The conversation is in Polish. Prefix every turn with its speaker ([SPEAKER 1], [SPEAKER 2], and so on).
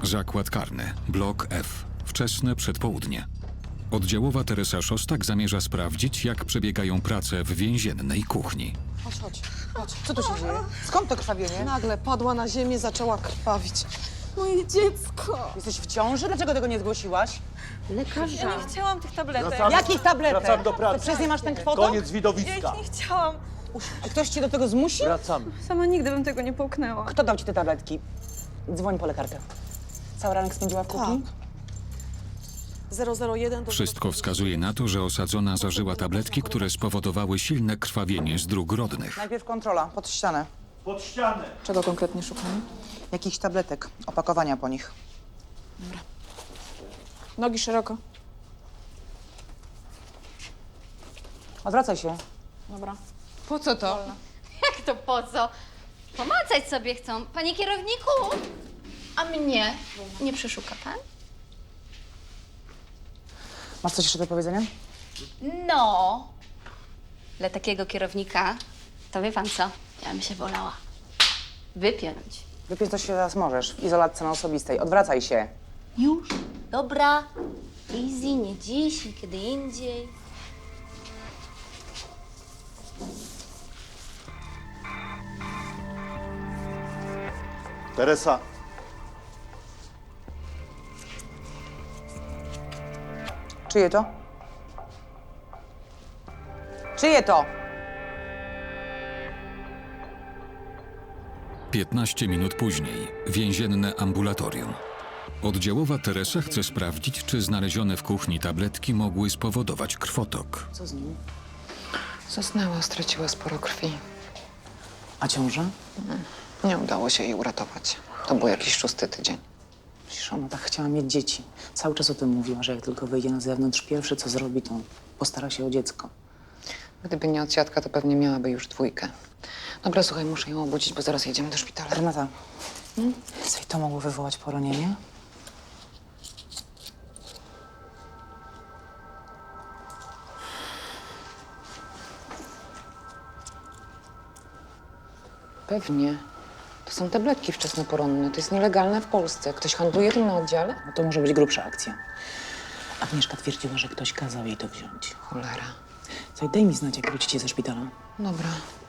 [SPEAKER 1] Zakład karny, blok F. Wczesne przedpołudnie. Oddziałowa Teresa Szostak zamierza sprawdzić, jak przebiegają prace w więziennej kuchni.
[SPEAKER 2] Chodź. Co tu się dzieje? Skąd to krwawienie?
[SPEAKER 3] Nagle padła na ziemię, zaczęła krwawić. Moje dziecko!
[SPEAKER 2] Jesteś w ciąży? Dlaczego tego nie zgłosiłaś?
[SPEAKER 3] Lekarza.
[SPEAKER 4] Ja nie chciałam tych tabletek.
[SPEAKER 2] Jakich tabletek?
[SPEAKER 5] Wracamy do pracy.
[SPEAKER 2] Ty przez nie masz ten kwotok?
[SPEAKER 5] Koniec
[SPEAKER 4] Ja
[SPEAKER 5] widowiska.
[SPEAKER 4] ich nie chciałam.
[SPEAKER 2] A ktoś cię do tego zmusił?
[SPEAKER 5] Wracamy.
[SPEAKER 4] Sama nigdy bym tego nie połknęła.
[SPEAKER 2] Kto dał ci te tabletki? Dzwoń po lekarkę. Cały ranek spędziła w kuchni?
[SPEAKER 3] 001 do...
[SPEAKER 1] Wszystko wskazuje na to, że osadzona zażyła tabletki, które spowodowały silne krwawienie z dróg rodnych.
[SPEAKER 2] Najpierw kontrola, pod ścianę.
[SPEAKER 5] Pod ścianę.
[SPEAKER 3] Czego konkretnie szukamy?
[SPEAKER 2] Jakichś tabletek, opakowania po nich.
[SPEAKER 3] Nogi szeroko.
[SPEAKER 2] Odwracaj się.
[SPEAKER 3] Dobra.
[SPEAKER 6] Po co to?
[SPEAKER 7] Jak to po co? Pomacać sobie chcą. Panie kierowniku! A mnie nie przeszuka pan?
[SPEAKER 2] Masz coś jeszcze do powiedzenia?
[SPEAKER 7] No. Dla takiego kierownika, to wie pan co? Ja bym się wolała wypiąć.
[SPEAKER 2] Wypić to się teraz możesz, w izolatce na osobistej. Odwracaj się.
[SPEAKER 7] Już? Dobra. Easy, nie dziś, nie kiedy indziej.
[SPEAKER 5] Teresa.
[SPEAKER 2] Czyje to? Czyje to?
[SPEAKER 1] 15 minut później. Więzienne ambulatorium. Oddziałowa Teresa chce sprawdzić, czy znalezione w kuchni tabletki mogły spowodować krwotok.
[SPEAKER 2] Co z nim?
[SPEAKER 6] Zasnęła, straciła sporo krwi.
[SPEAKER 2] A ciąża?
[SPEAKER 6] Nie udało się jej uratować. To był jakiś 6. tydzień.
[SPEAKER 2] Przecież ona tak chciała mieć dzieci. Cały czas o tym mówiła, że jak tylko wyjdzie na zewnątrz, pierwsze co zrobi, to postara się o dziecko.
[SPEAKER 6] Gdyby nie odsiadka, to pewnie miałaby już 2. Dobra, słuchaj, muszę ją obudzić, bo zaraz jedziemy do szpitala.
[SPEAKER 2] Renata, słuchaj, to mogło wywołać poronienie?
[SPEAKER 6] Pewnie. To są tabletki wczesnoporonne. To jest nielegalne w Polsce. Ktoś handluje tym na oddziale?
[SPEAKER 2] No to może być grubsza akcja. Agnieszka twierdziła, że ktoś kazał jej to wziąć.
[SPEAKER 6] Cholera.
[SPEAKER 2] Słuchaj, daj mi znać, jak wrócicie ze szpitala.
[SPEAKER 6] Dobra.